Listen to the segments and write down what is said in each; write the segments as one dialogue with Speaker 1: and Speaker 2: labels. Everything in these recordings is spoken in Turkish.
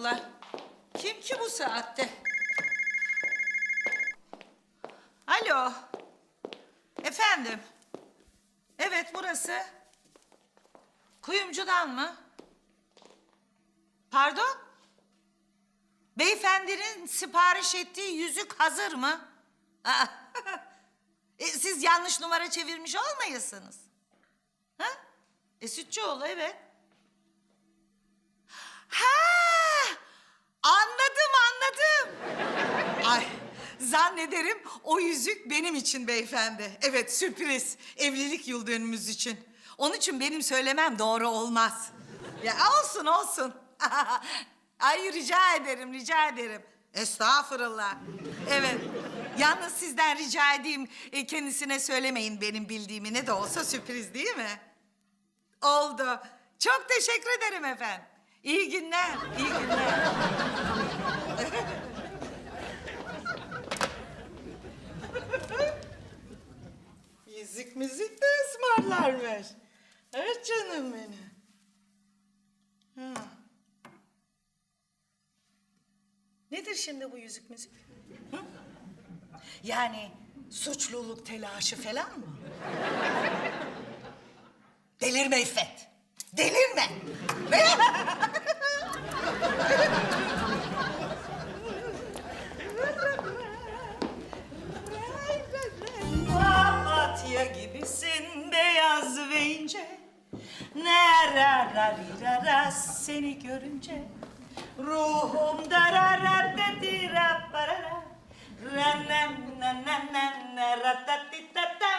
Speaker 1: Estağfurullah. Kim ki bu saatte? Alo. Efendim. Evet, burası. Kuyumcudan mı? Pardon? Beyefendinin sipariş ettiği yüzük hazır mı? Aa, siz yanlış numara çevirmiş olmayasınız. Ha? Sütçüoğlu, evet. Ha! Anladım. Ay, zannederim o yüzük benim için beyefendi. Evet, sürpriz. Evlilik yıl dönümümüz için. Onun için benim söylemem doğru olmaz. Ya olsun. Ay rica ederim. Estağfurullah. Evet. Yalnız sizden rica edeyim kendisine söylemeyin benim bildiğimi. Ne de olsa sürpriz değil mi? Oldu. Çok teşekkür ederim efendim. İyi günler. Yüzük müzik de ısmarlarmış. Evet canım benim. Ha. Nedir şimdi bu yüzük müzik? Hı? Yani suçluluk telaşı falan mı? Delirme İffet. Delirme. Papatya gibisin beyaz ve ince. Nerararira seni görünce. Ruhum darararira parara. Ranem nanem ratatitatam.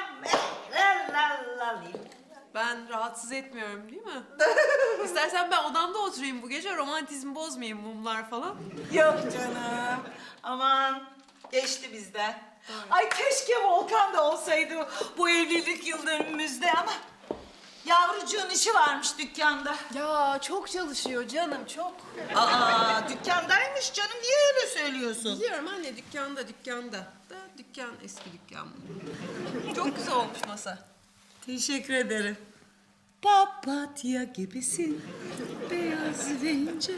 Speaker 2: Ben rahatsız etmiyorum değil mi? İstersen ben odamda oturayım bu gece, romantizmi bozmayayım, mumlar falan.
Speaker 1: Yok canım. Aman geçti bizden. Ay keşke Volkan da olsaydı bu evlilik yıl dönümümüzde ama yavrucuğun işi varmış dükkanda.
Speaker 2: Ya çok çalışıyor canım, çok.
Speaker 1: Aa dükkandaymış canım, niye öyle söylüyorsun?
Speaker 2: Biliyorum anne, dükkanda. Da dükkan eski dükkan. Çok güzel olmuş masa.
Speaker 1: Teşekkür ederim. Papatya gibisin beyaz ve ince.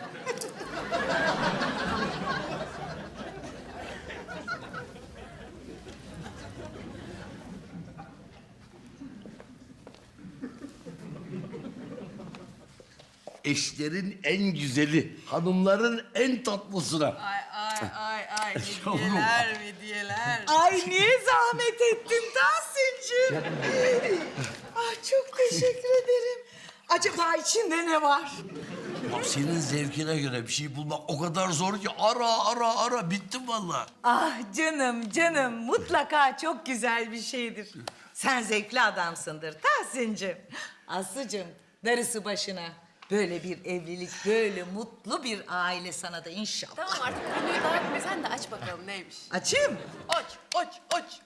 Speaker 3: Eşlerin en güzeli, hanımların en tatlısına.
Speaker 2: Ay,
Speaker 3: Yavrum.
Speaker 2: hediyeler.
Speaker 1: Ay niye zahmet ettin Tahsin'cim? Ay çok teşekkür ederim. Acaba içinde ne var?
Speaker 3: Ya senin zevkine göre bir şey bulmak o kadar zor ki ara bittim vallahi.
Speaker 1: Ah canım mutlaka çok güzel bir şeydir. Sen zevkli adamsındır Tahsin'cim. Aslı'cım darısı başına. Böyle bir evlilik, böyle mutlu bir aile sana da inşallah.
Speaker 2: Tamam artık konuyu dağıtma, sen de aç bakalım neymiş.
Speaker 1: Açayım mı?
Speaker 2: Aç.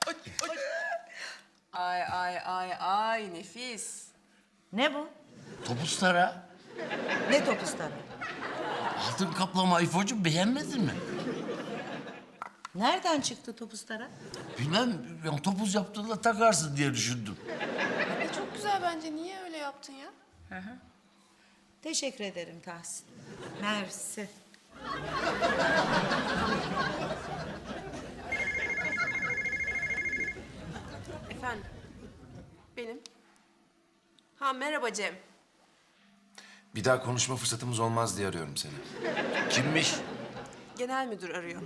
Speaker 2: Ay nefis.
Speaker 1: Ne bu?
Speaker 3: Topuzlara
Speaker 1: Ne topuzları?
Speaker 3: altın kaplama ifocu beğenmedin mi?
Speaker 1: Nereden çıktı topuzlara?
Speaker 3: Bilmem, ya topuz yaptığında takarsın diye düşündüm.
Speaker 2: Çok güzel bence, niye öyle yaptın ya?
Speaker 1: Teşekkür ederim Tahsin. Mersi.
Speaker 2: Efendim, benim. Ha merhaba Cem.
Speaker 4: Bir daha konuşma fırsatımız olmaz diye arıyorum seni.
Speaker 3: Kimmiş?
Speaker 2: Genel müdür arıyor.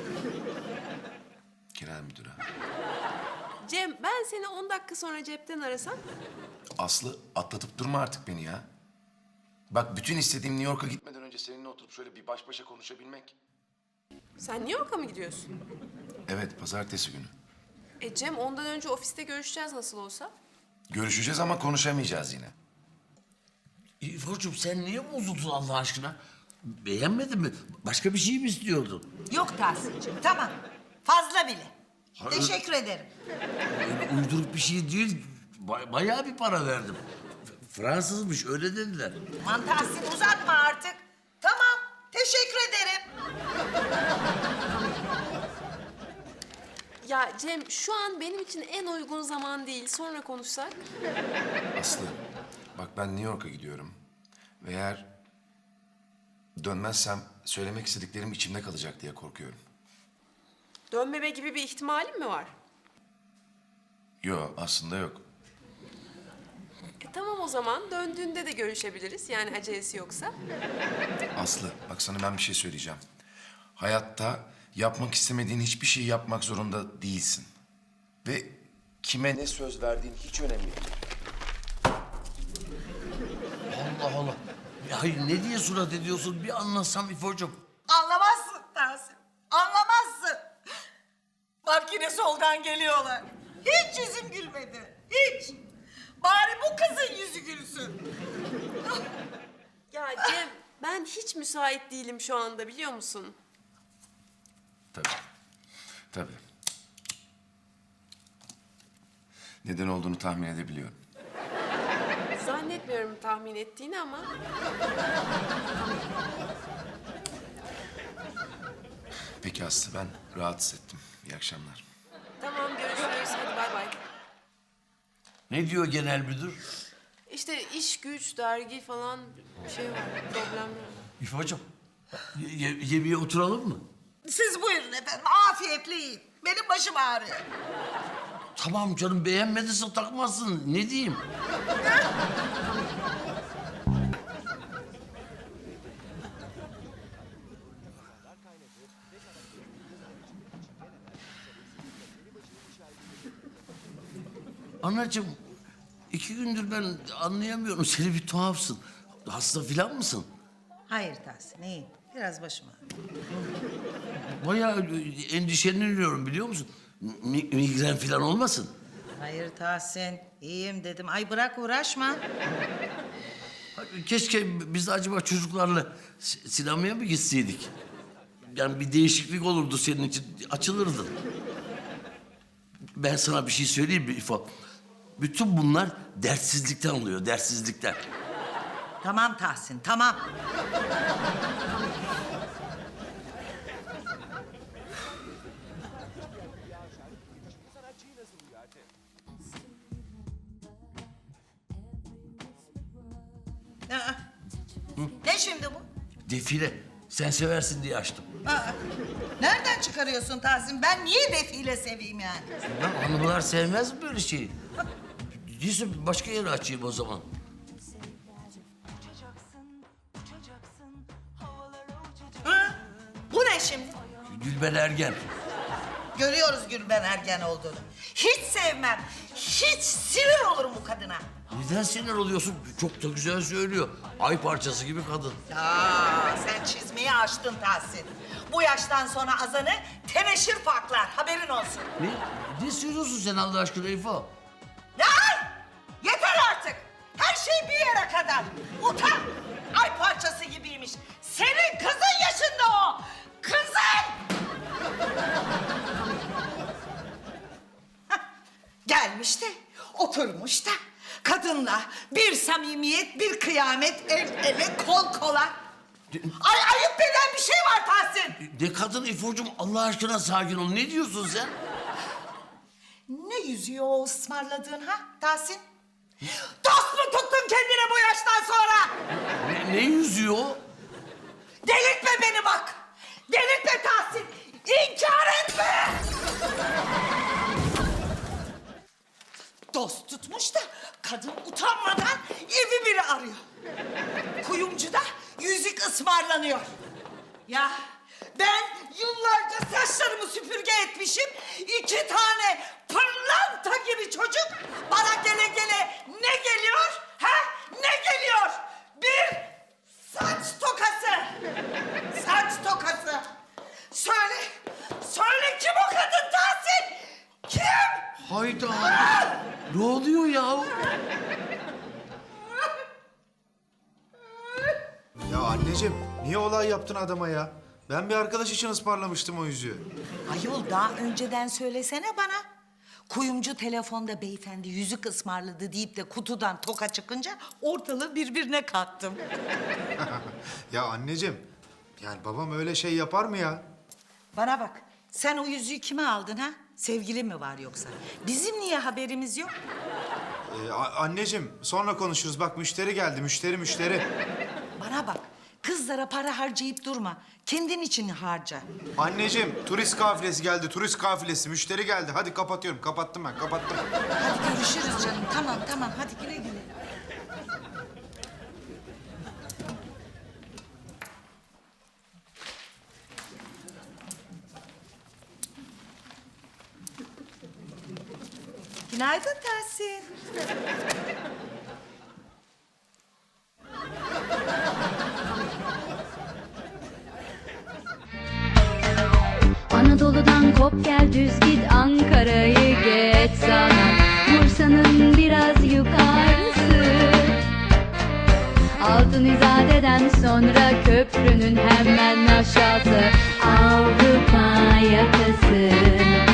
Speaker 4: Genel müdüre.
Speaker 2: Cem, ben seni 10 dakika sonra cepten arasam.
Speaker 4: Aslı atlatıp durma artık beni ya. Bak bütün istediğim New York'a gitmeden önce seninle oturup şöyle bir baş başa konuşabilmek.
Speaker 2: Sen New York'a mı gidiyorsun?
Speaker 4: Evet, pazartesi günü.
Speaker 2: Cem, ondan önce ofiste görüşeceğiz nasıl olsa.
Speaker 4: Görüşeceğiz ama konuşamayacağız yine.
Speaker 3: İfocuğum sen niye bozuldun Allah aşkına? Beğenmedin mi? Başka bir şey mi istiyordun?
Speaker 1: Yok Tahsin'cim tamam. Fazla bile.
Speaker 3: Hayır.
Speaker 1: Teşekkür ederim.
Speaker 3: Öyle uyduruk bir şey değil. Bayağı bir para verdim. Fransızmış öyle dediler.
Speaker 1: Aman Tahsin uzatma artık. Tamam. Teşekkür ederim.
Speaker 2: Ya Cem, şu an benim için en uygun zaman değil. Sonra konuşsak.
Speaker 4: Aslı, bak ben New York'a gidiyorum. Ve eğer Dönmezsem söylemek istediklerim içimde kalacak diye korkuyorum.
Speaker 2: Dönmeme gibi bir ihtimalin mi var?
Speaker 4: Yok, aslında yok.
Speaker 2: Tamam o zaman. Döndüğünde de görüşebiliriz. Yani acelesi yoksa.
Speaker 4: Aslı, bak sana ben bir şey söyleyeceğim. Hayatta yapmak istemediğin hiçbir şeyi yapmak zorunda değilsin. Ve kime ne söz verdiğin hiç önemli değil.
Speaker 3: Allah Allah. Ya hayır ne diye surat ediyorsun? Bir anlatsam İfo'cum.
Speaker 1: Anlamazsın Tahsin. Anlamazsın. Bak yine soldan geliyorlar. Hiç yüzüm gülmedi. Hiç. Bari bu kızın yüzü gülsün.
Speaker 2: Ya Cem, ben hiç müsait değilim şu anda biliyor musun?
Speaker 4: Tabii. Tabii. Neden olduğunu tahmin edebiliyorum.
Speaker 2: Zannetmiyorum tahmin ettiğini ama.
Speaker 4: Peki Aslı, ben rahatsız ettim. İyi akşamlar.
Speaker 2: Tamam görüşürüz. Hadi bay bay.
Speaker 3: Ne diyor genel müdür?
Speaker 2: İşte iş, güç, dergi falan bir şey var. Problemler var.
Speaker 3: İfo'cum yemeğe oturalım mı?
Speaker 1: Siz buyurun efendim. Afiyetle yiyin. Benim başım ağrıyor.
Speaker 3: Tamam canım beğenmediyse takmazsın. Ne diyeyim? Anacığım, 2 gündür ben anlayamıyorum. Seni bir tuhafsın. Hasta filan mısın?
Speaker 1: Hayır Tahsin iyiyim. Biraz başım ağrıyor.
Speaker 3: Bayağı endişeleniyorum biliyor musun? Migren filan olmasın?
Speaker 1: Hayır Tahsin iyiyim dedim. Ay bırak uğraşma.
Speaker 3: Keşke biz de acaba çocuklarla sinemaya mı gitseydik? Yani bir değişiklik olurdu senin için, açılırdın. Ben sana bir şey söyleyeyim mi İfo? Bütün bunlar dertsizlikten oluyor, dertsizlikten.
Speaker 1: Tamam Tahsin tamam. Aa, ne şimdi bu?
Speaker 3: Defile, sen seversin diye açtım.
Speaker 1: Aa, nereden çıkarıyorsun Tahsin? Ben niye defile seveyim yani?
Speaker 3: Ya hanımlar sevmez mi böyle şeyi? Değilse başka yere açayım o zaman.
Speaker 1: Ha? Bu ne şimdi?
Speaker 3: Gülben Ergen.
Speaker 1: Görüyoruz Gülben Ergen olduğunu. Hiç sevmem. Hiç sinir olurum bu kadına.
Speaker 3: Neden sinir oluyorsun? Çok da güzel söylüyor. Ay parçası gibi kadın.
Speaker 1: Ya sen çizmeyi açtın Tahsin. Bu yaştan sonra azanı teneşir paklar. Haberin olsun.
Speaker 3: Ne? Ne söylüyorsun sen Allah aşkına İfo?
Speaker 1: Ya yeter artık. Her şey bir yere kadar. Utan. Ay parçası gibiymiş. Senin kızın yaşında o. Kızın. Hah, gelmiş de oturmuş da kadınla bir samimiyet, bir kıyamet, el ele, kol kola. Ay ayıp denen bir şey var Tahsin.
Speaker 3: Ne kadın İfo'cum Allah aşkına sakin ol. Ne diyorsun sen?
Speaker 1: Ne yüzüyor o ısmarladığın ha Tahsin? Dost mu tuttun kendine bu yaştan sonra?
Speaker 3: Ne yüzüyor?
Speaker 1: Delirtme beni bak. Delirtme Tahsin. İnkar etme. Dost tutmuş da kadın utanmadan evi biri arıyor. Kuyumcuda yüzük ısmarlanıyor. Ya ben yıllarca saçlarımı süpürge etmişim. 2 tane pırlanta gibi çocuk bana gele gele ne geliyor? Ha? Ne geliyor? Bir saç tokası. Saç tokası. Söyle, söyle kim o kadın Tahsin? Kim?
Speaker 3: Hayda. Ne oluyor ya?
Speaker 5: Ya anneciğim niye olay yaptın adama ya? Ben bir arkadaş için ısmarlamıştım o yüzüğü.
Speaker 1: Ayol daha önceden söylesene bana. Kuyumcu telefonda beyefendi yüzük ısmarladı deyip de kutudan toka çıkınca ortalığı birbirine kattım.
Speaker 5: Ya anneciğim yani babam öyle şey yapar mı ya?
Speaker 1: Bana bak sen o yüzüğü kime aldın ha? Sevgili mi var yoksa? Bizim niye haberimiz yok?
Speaker 5: Anneciğim sonra konuşuruz bak müşteri geldi müşteri.
Speaker 1: Bana bak Kızlara para harcayıp durma. Kendin için harca.
Speaker 5: Anneciğim turist kafilesi geldi, turist kafilesi. Müşteri geldi. Hadi kapatıyorum. Kapattım ben, kapattım.
Speaker 1: Hadi görüşürüz canım. Tamam tamam hadi güle güle. Günaydın Tahsin.
Speaker 6: Anadolu'dan kop gel düz git Ankara'yı geç sana Bursa'nın biraz yukarısı Altın İzade'den sonra köprünün hemen aşağısı Avrupa yakası